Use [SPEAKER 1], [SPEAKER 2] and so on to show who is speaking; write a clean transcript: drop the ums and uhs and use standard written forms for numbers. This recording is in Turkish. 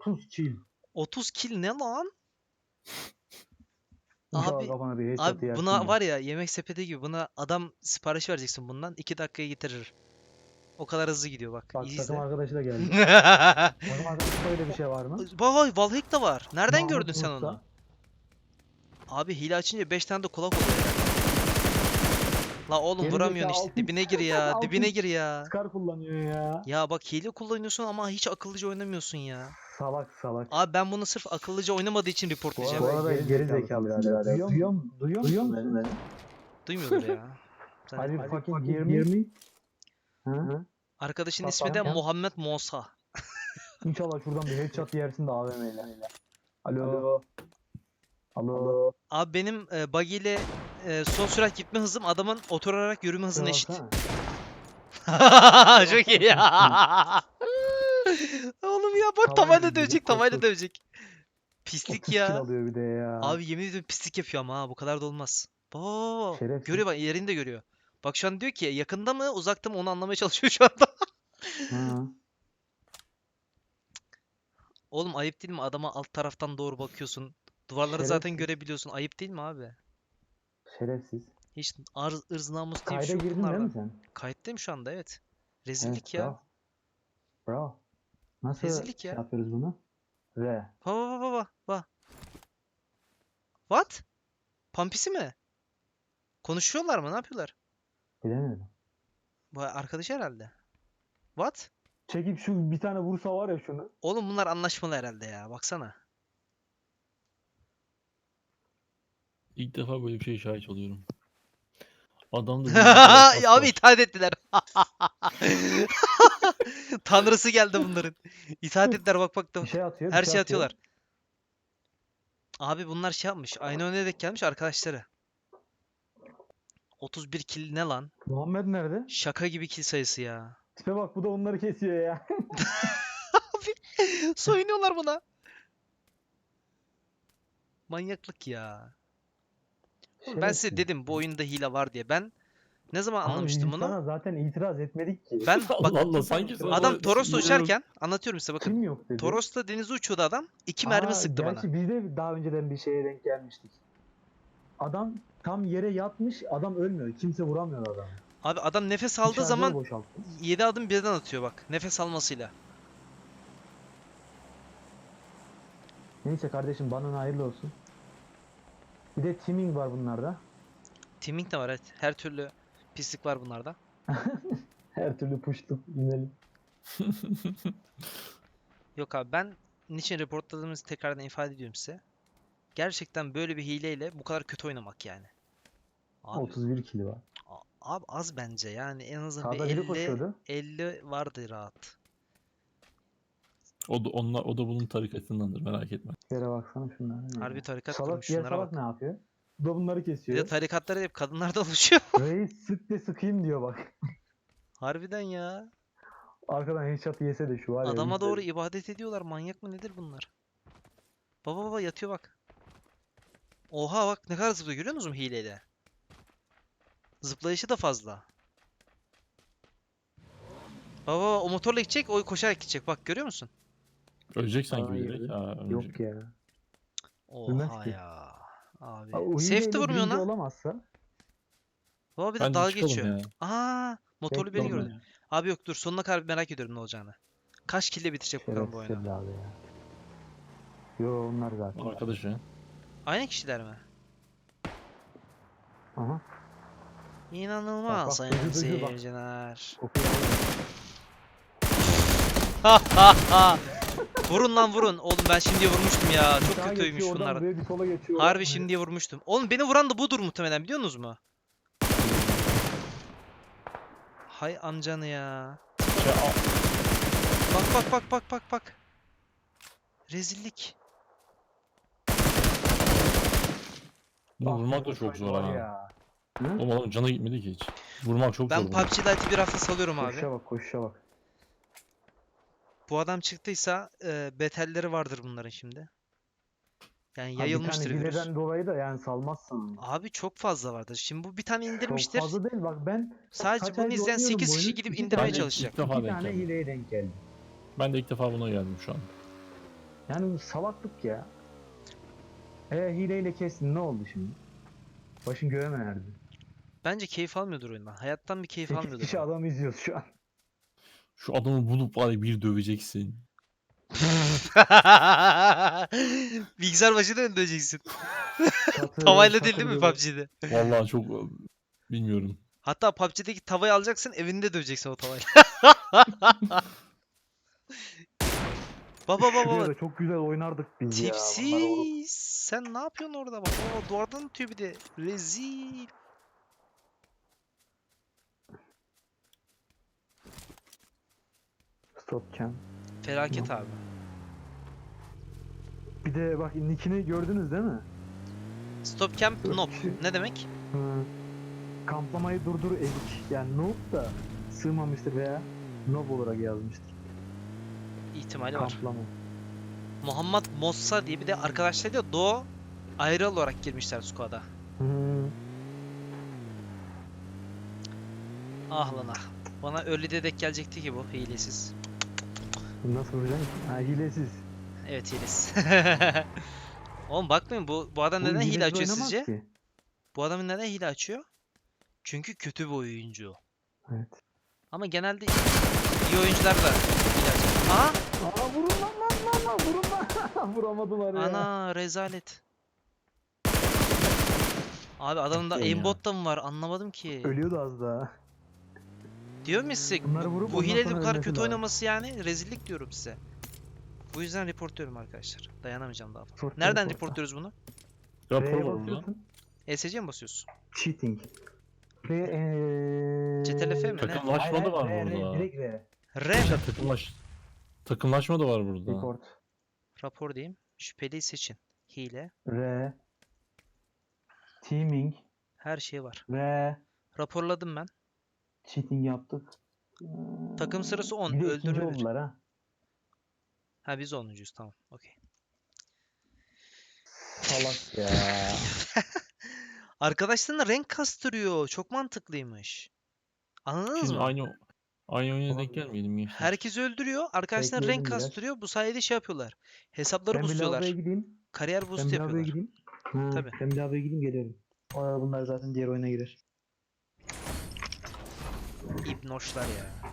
[SPEAKER 1] 30 kill.
[SPEAKER 2] 30 kill ne lan?
[SPEAKER 1] İnşallah
[SPEAKER 2] Abi,
[SPEAKER 1] kafana bir headshot
[SPEAKER 2] abi
[SPEAKER 1] yersin
[SPEAKER 2] buna
[SPEAKER 1] de.
[SPEAKER 2] var ya yemek sepeti gibi buna adam sipariş vereceksin bundan 2 dakikaya getirir. O kadar hızlı gidiyor bak.
[SPEAKER 1] Bak
[SPEAKER 2] İyi
[SPEAKER 1] takım
[SPEAKER 2] izle.
[SPEAKER 1] arkadaşı da geldi. Takım arkadaşında öyle bir şey var mı?
[SPEAKER 2] Vay Valhack da var. Nereden
[SPEAKER 1] Mahmut
[SPEAKER 2] gördün sen
[SPEAKER 1] Musta.
[SPEAKER 2] onu? Abi hile açınca 5 tane de kulak oluyor herhalde. La oğlum
[SPEAKER 1] Geri
[SPEAKER 2] vuramıyorsun
[SPEAKER 1] zekalı
[SPEAKER 2] işte.
[SPEAKER 1] altın-
[SPEAKER 2] Dibine gir ya.
[SPEAKER 1] altın
[SPEAKER 2] Dibine gir ya.
[SPEAKER 1] Scar kullanıyor ya.
[SPEAKER 2] Ya bak hile kullanıyorsun ama hiç akıllıca oynamıyorsun ya.
[SPEAKER 1] Salak salak.
[SPEAKER 2] Abi ben bunu sırf akıllıca oynamadığı için
[SPEAKER 1] Bu
[SPEAKER 2] reportlayacağım.
[SPEAKER 1] arada geri zekalı birader. Duyuyor musun beni?
[SPEAKER 2] Duymuyordur ya. Sen-
[SPEAKER 1] Hadi fucking hear me. Hı?
[SPEAKER 2] Arkadaşın
[SPEAKER 1] Bak,
[SPEAKER 2] ismi de
[SPEAKER 1] bak.
[SPEAKER 2] Muhammed Mosa.
[SPEAKER 1] İnşallah şuradan bir headshot yersin de AVM'yle. Alo. Alo.
[SPEAKER 2] Abi benim buggy ile son sürat gitme hızım adamın oturarak yürüme hızına eşit.
[SPEAKER 1] Baksana.
[SPEAKER 2] Çok iyi ya. Oğlum ya bak
[SPEAKER 1] Tavayla
[SPEAKER 2] tavayla
[SPEAKER 1] gidiyor,
[SPEAKER 2] dövecek,
[SPEAKER 1] koş,
[SPEAKER 2] tavayla
[SPEAKER 1] koş.
[SPEAKER 2] dövecek.
[SPEAKER 1] 30
[SPEAKER 2] Pislik
[SPEAKER 1] kill
[SPEAKER 2] ya.
[SPEAKER 1] alıyor bir de ya.
[SPEAKER 2] Abi yemin ediyorum pislik yapıyor ama ha bu kadar da olmaz. Baba.
[SPEAKER 1] Şerefsiz.
[SPEAKER 2] Görüyor bak yerini de görüyor. Bak şu an diyor ki yakında mı uzakta mı onu anlamaya çalışıyor şu anda.
[SPEAKER 1] Hı.
[SPEAKER 2] Oğlum ayıp değil mi adama alt taraftan doğru bakıyorsun. Duvarları zaten
[SPEAKER 1] Şerefsiz.
[SPEAKER 2] görebiliyorsun. Ayıp değil mi abi?
[SPEAKER 1] Şerefsiz.
[SPEAKER 2] Hiç ırz namus diye bir
[SPEAKER 1] Kayda
[SPEAKER 2] şey yok
[SPEAKER 1] girdin değil mi
[SPEAKER 2] bunlarda.
[SPEAKER 1] sen?
[SPEAKER 2] Kayıttayım şu anda evet.
[SPEAKER 1] Evet,
[SPEAKER 2] Rezillik ya.
[SPEAKER 1] bravo. Bravo. Nasıl
[SPEAKER 2] Rezillik
[SPEAKER 1] şey
[SPEAKER 2] ya.
[SPEAKER 1] yapıyoruz bunu? Re.
[SPEAKER 2] Baba. What? Pampisi mi? Konuşuyorlar mı? Ne yapıyorlar?
[SPEAKER 1] Bilemiyorum.
[SPEAKER 2] Bu arkadaş herhalde. What?
[SPEAKER 1] Çekip şu bir tane vursa var ya şunu.
[SPEAKER 2] Oğlum bunlar anlaşmalı herhalde ya. Baksana.
[SPEAKER 3] İlk defa böyle bir şeye şahit oluyorum. Adam da
[SPEAKER 2] Ya abi itaat ettiler. Tanrısı geldi bunların. İtaat ettiler bak da.
[SPEAKER 1] Bir şey atıyor.
[SPEAKER 2] Her
[SPEAKER 1] bir
[SPEAKER 2] şey
[SPEAKER 1] şey
[SPEAKER 2] atıyorlar. Abi bunlar şey yapmış. Aynı oyuna denk gelmiş arkadaşları. 31 kill ne lan?
[SPEAKER 1] Muhammed nerede?
[SPEAKER 2] Şaka gibi kill sayısı ya.
[SPEAKER 1] Tipe bak bu da onları kesiyor ya.
[SPEAKER 2] Soyunuyorlar buna. Manyaklık ya. Oğlum ben size
[SPEAKER 1] Şerefsiz.
[SPEAKER 2] dedim bu oyunda hile var diye. Ben ne zaman
[SPEAKER 1] Abi
[SPEAKER 2] anlamıştım
[SPEAKER 1] biz
[SPEAKER 2] bunu?
[SPEAKER 1] sana zaten itiraz etmedik ki.
[SPEAKER 2] Ben bak
[SPEAKER 3] Allah Allah sanki sana
[SPEAKER 2] adam
[SPEAKER 3] böyle
[SPEAKER 2] Toros'la
[SPEAKER 3] hile yok.
[SPEAKER 2] uçarken anlatıyorum size bakın.
[SPEAKER 1] Kim yok dedi.
[SPEAKER 2] Toros'la denize uçuyordu adam. 2 mermi sıktı bana.
[SPEAKER 1] Gerçi biz de daha önceden bir şeye denk gelmiştik. Adam tam yere yatmış, adam ölmüyor. Kimse vuramıyor adamı.
[SPEAKER 2] Abi adam nefes
[SPEAKER 1] Bir
[SPEAKER 2] aldığı
[SPEAKER 1] şarjör
[SPEAKER 2] zaman
[SPEAKER 1] boşalttı.
[SPEAKER 2] 7 adım birden atıyor bak. Nefes almasıyla.
[SPEAKER 1] Neyse kardeşim bana hayırlı olsun. Bir de teaming var bunlarda.
[SPEAKER 2] Teaming de var evet. Her türlü pislik var bunlarda.
[SPEAKER 1] Her türlü puştuk inelim.
[SPEAKER 2] Yok abi ben niçin reportladığımızı tekrardan ifade ediyorum size. Gerçekten böyle bir hileyle bu kadar kötü oynamak yani. Abi,
[SPEAKER 1] 31 kilo var.
[SPEAKER 2] abi az bence yani en azından bir
[SPEAKER 1] Sağda biri
[SPEAKER 2] 50
[SPEAKER 1] koşuyordu.
[SPEAKER 2] 50 vardı rahat.
[SPEAKER 3] O da bunun tarikatındandır merak etme.
[SPEAKER 1] Yere baksana şunlara.
[SPEAKER 2] Harbi tarikat
[SPEAKER 1] Salak
[SPEAKER 2] kurmuş
[SPEAKER 1] diğer
[SPEAKER 2] şunlara
[SPEAKER 1] salak
[SPEAKER 2] bak.
[SPEAKER 1] ne yapıyor? Bu da bunları
[SPEAKER 2] Bir de
[SPEAKER 1] kesiyor.
[SPEAKER 2] tarikatlar hep kadınlardan oluşuyor.
[SPEAKER 1] Reis sık de sıkayım diyor bak.
[SPEAKER 2] Harbiden ya.
[SPEAKER 1] Arkadan headshot yese de şu var ya.
[SPEAKER 2] Adama
[SPEAKER 1] biz de-
[SPEAKER 2] doğru ibadet ediyorlar. Manyak mı nedir bunlar? Baba yatıyor bak. Oha bak ne kadar zıplıyor görüyor musun hileyle? Zıplayışı da fazla. Baba o motorla gidecek, o koşarak gidecek. Bak görüyor musun?
[SPEAKER 3] Ölecek sanki
[SPEAKER 1] Hayır.
[SPEAKER 3] bilerek. Ha, ölecek.
[SPEAKER 1] Yok ya. Bilmez
[SPEAKER 2] Oha
[SPEAKER 1] ki.
[SPEAKER 2] ya. Abi.
[SPEAKER 1] O
[SPEAKER 2] Safe de
[SPEAKER 1] hileyle
[SPEAKER 2] vurmuyor
[SPEAKER 1] birinci
[SPEAKER 2] ona.
[SPEAKER 1] olamazsa.
[SPEAKER 2] Baba bir de
[SPEAKER 3] Bence
[SPEAKER 2] dalga
[SPEAKER 3] çıkalım
[SPEAKER 2] geçiyor.
[SPEAKER 3] ya.
[SPEAKER 2] Aa, motorlu beni
[SPEAKER 1] Bekleyin
[SPEAKER 2] gördü.
[SPEAKER 1] ya.
[SPEAKER 2] Abi yok dur sonuna kadar merak ediyorum ne olacağını. Kaç kill'le bitirecek bakalım bu oyunu.
[SPEAKER 1] Şerefsiz abi ya. Yo onlar zaten.
[SPEAKER 3] Arkadaş ya.
[SPEAKER 2] Aynı kişiler mi?
[SPEAKER 1] Aha.
[SPEAKER 2] İnanılmaz
[SPEAKER 1] bak,
[SPEAKER 2] sayın
[SPEAKER 1] duydu, bak.
[SPEAKER 2] seyirciler.
[SPEAKER 1] Okuyor.
[SPEAKER 2] Vurun lan vurun. Oğlum ben şimdiye vurmuştum ya.
[SPEAKER 1] Bir
[SPEAKER 2] Çok
[SPEAKER 1] sağa
[SPEAKER 2] kötüymüş
[SPEAKER 1] geçiyor, oradan
[SPEAKER 2] bunlar.
[SPEAKER 1] buraya, bir sola geçiyor.
[SPEAKER 2] Harbi şimdiye vurmuştum. Oğlum beni vuran da budur muhtemelen biliyor musunuz mu? Hay amcanı ya.
[SPEAKER 3] Şey,
[SPEAKER 2] Bak. Rezillik.
[SPEAKER 3] bunu
[SPEAKER 1] Ah,
[SPEAKER 3] vurmak da çok zor
[SPEAKER 1] var
[SPEAKER 3] ha.
[SPEAKER 1] ya.
[SPEAKER 3] Oğlum adam cana gitmedi ki hiç. Vurmak çok
[SPEAKER 2] Ben
[SPEAKER 3] zor. bunu.
[SPEAKER 2] PUBG Lite'ı bir hafta salıyorum abi.
[SPEAKER 1] Koşuşa bak.
[SPEAKER 2] Bu adam çıktıysa betelleri vardır bunların şimdi. Yani
[SPEAKER 1] Ha, bir
[SPEAKER 2] yayılmıştır
[SPEAKER 1] tane
[SPEAKER 2] virüs.
[SPEAKER 1] hileden dolayı da yani salmazsın.
[SPEAKER 2] Abi çok fazla vardır. Şimdi bu bir tane
[SPEAKER 1] Çok
[SPEAKER 2] indirmiştir.
[SPEAKER 1] fazla değil bak ben
[SPEAKER 2] Sadece
[SPEAKER 1] kaç
[SPEAKER 2] bunu
[SPEAKER 1] aydır
[SPEAKER 2] izleyen
[SPEAKER 1] oynuyorum
[SPEAKER 2] 8
[SPEAKER 1] bu
[SPEAKER 2] kişi
[SPEAKER 1] oyunu,
[SPEAKER 2] gidip
[SPEAKER 1] iki
[SPEAKER 2] indirmeye
[SPEAKER 1] tane-
[SPEAKER 2] çalışacak.
[SPEAKER 3] İlk defa
[SPEAKER 1] İki
[SPEAKER 3] denk
[SPEAKER 1] tane
[SPEAKER 3] geldim.
[SPEAKER 1] hileye denk geldi.
[SPEAKER 3] Ben de ilk defa buna geldim şu an.
[SPEAKER 1] Yani bu salaklık ya. Hileyle kestin ne oldu şimdi? Başın göğe mi erdi?
[SPEAKER 2] Bence keyif almıyordur oyundan. Hayattan bir keyif
[SPEAKER 1] 8
[SPEAKER 2] almıyordur
[SPEAKER 1] kişi
[SPEAKER 2] adam.
[SPEAKER 1] adam izliyoruz şu an.
[SPEAKER 3] Şu adamı bulup var ya bir döveceksin.
[SPEAKER 2] Bilgisayar başında mı döveceksin?
[SPEAKER 1] Çatır
[SPEAKER 2] Tavayla değil
[SPEAKER 1] çatır
[SPEAKER 2] değil mi
[SPEAKER 1] böyle.
[SPEAKER 2] PUBG'de?
[SPEAKER 3] Vallahi çok bilmiyorum.
[SPEAKER 2] Hatta PUBG'deki tavayı alacaksın, evinde döveceksin o tavayla. Baba baba
[SPEAKER 1] Şuraya
[SPEAKER 2] baba.
[SPEAKER 1] da çok güzel oynardık biz ya. Bunları vurup.
[SPEAKER 2] Tipsiz. Sen ne yapıyorsun orada bak? O duvardan atıyor bir de. Rezil.
[SPEAKER 1] Stop cam.
[SPEAKER 2] Felaket abi.
[SPEAKER 1] Bir de bak nickini gördünüz değil mi?
[SPEAKER 2] Stop camp
[SPEAKER 1] Dört
[SPEAKER 2] noob.
[SPEAKER 1] kişi.
[SPEAKER 2] Ne demek?
[SPEAKER 1] Hı. Kamplamayı durdur ezik. Yani noob da sığmamıştır veya noob olarak yazmıştır.
[SPEAKER 2] İhtimali var.
[SPEAKER 1] Kamplama.
[SPEAKER 2] Muhammed Mossa diye bir de arkadaşlar diyor Doğu ayrı olarak girmişler squad'a.
[SPEAKER 1] Hı.
[SPEAKER 2] Ah lan ah. Bana early'de denk gelecekti ki bu hilesiz.
[SPEAKER 1] Nasıl vuracaksın ki? Ha hilesiz.
[SPEAKER 2] Evet hilesiz. Oğlum bakmayın bu adam
[SPEAKER 1] Bu
[SPEAKER 2] neden hile
[SPEAKER 1] hilesiz
[SPEAKER 2] açıyor
[SPEAKER 1] oynamaz
[SPEAKER 2] sizce?
[SPEAKER 1] ki.
[SPEAKER 2] Bu adam neden hile açıyor? Çünkü kötü bir oyuncu.
[SPEAKER 1] Evet.
[SPEAKER 2] Ama genelde iyi oyuncular da hile açıyor. Aha!
[SPEAKER 1] Aa vurun lan vurun lan. Vuramadılar ya.
[SPEAKER 2] Ana rezalet. Abi adamın da
[SPEAKER 3] Bakıyorum ya.
[SPEAKER 2] aimbot da mı var anlamadım ki.
[SPEAKER 1] Ölüyordu az daha.
[SPEAKER 2] Diyor mu size
[SPEAKER 1] Bunları vurup
[SPEAKER 2] bu
[SPEAKER 1] ondan
[SPEAKER 2] hilede bu
[SPEAKER 1] sonra
[SPEAKER 2] kadar
[SPEAKER 1] ölmesi
[SPEAKER 2] kötü
[SPEAKER 1] lazım.
[SPEAKER 2] oynaması yani rezillik diyorum size. Bu yüzden reportluyorum arkadaşlar. Dayanamayacağım daha fazla.
[SPEAKER 1] Reportla,
[SPEAKER 2] Nereden
[SPEAKER 1] reportla.
[SPEAKER 2] reportluyoruz bunu?
[SPEAKER 3] Rapor
[SPEAKER 1] R'ye
[SPEAKER 3] var burada.
[SPEAKER 1] basıyorsun.
[SPEAKER 2] ESC mi basıyorsun?
[SPEAKER 1] Cheating. Ve
[SPEAKER 2] CTRL-F mi ne?
[SPEAKER 3] Takımlaşma da var burada.
[SPEAKER 1] Direkt R.
[SPEAKER 2] R mi?
[SPEAKER 3] Arkadaşlar takımlaşma da var burada.
[SPEAKER 1] Report.
[SPEAKER 2] Rapor diyeyim. Şüpheliyi seçin. Hile.
[SPEAKER 1] R. Teaming.
[SPEAKER 2] Her şey var.
[SPEAKER 1] Ve
[SPEAKER 2] Raporladım ben.
[SPEAKER 1] cheating yaptık.
[SPEAKER 2] Takım sırası 10.
[SPEAKER 1] Bir de ikinci
[SPEAKER 2] Öldürme 1.
[SPEAKER 1] oldular ha.
[SPEAKER 2] Ha biz 10'uncuyuz tamam. Okey.
[SPEAKER 1] Salak ya.
[SPEAKER 2] Arkadaşlarına renk kastırıyor. Çok mantıklıymış. Anladınız
[SPEAKER 3] Şimdi
[SPEAKER 2] mı?
[SPEAKER 3] aynı oyuna denk
[SPEAKER 1] Olabilir.
[SPEAKER 3] gelmeyelim gençler.
[SPEAKER 2] Herkes öldürüyor. Arkadaşlarına renk
[SPEAKER 1] Bekleyelim biraz.
[SPEAKER 2] kastırıyor. Bu sayede şey yapıyorlar. Hesapları
[SPEAKER 1] Ben bir
[SPEAKER 2] boostluyorlar.
[SPEAKER 1] lavaboya gideyim.
[SPEAKER 2] Kariyer
[SPEAKER 1] Ben
[SPEAKER 2] boost
[SPEAKER 1] bir lavaboya
[SPEAKER 2] yapıyorlar.
[SPEAKER 1] gideyim. Ha,
[SPEAKER 2] Tabii.
[SPEAKER 1] ben bir lavaboya gideyim geliyorum. Bunlar zaten diğer oyuna girer.
[SPEAKER 2] İbnoşlar ya.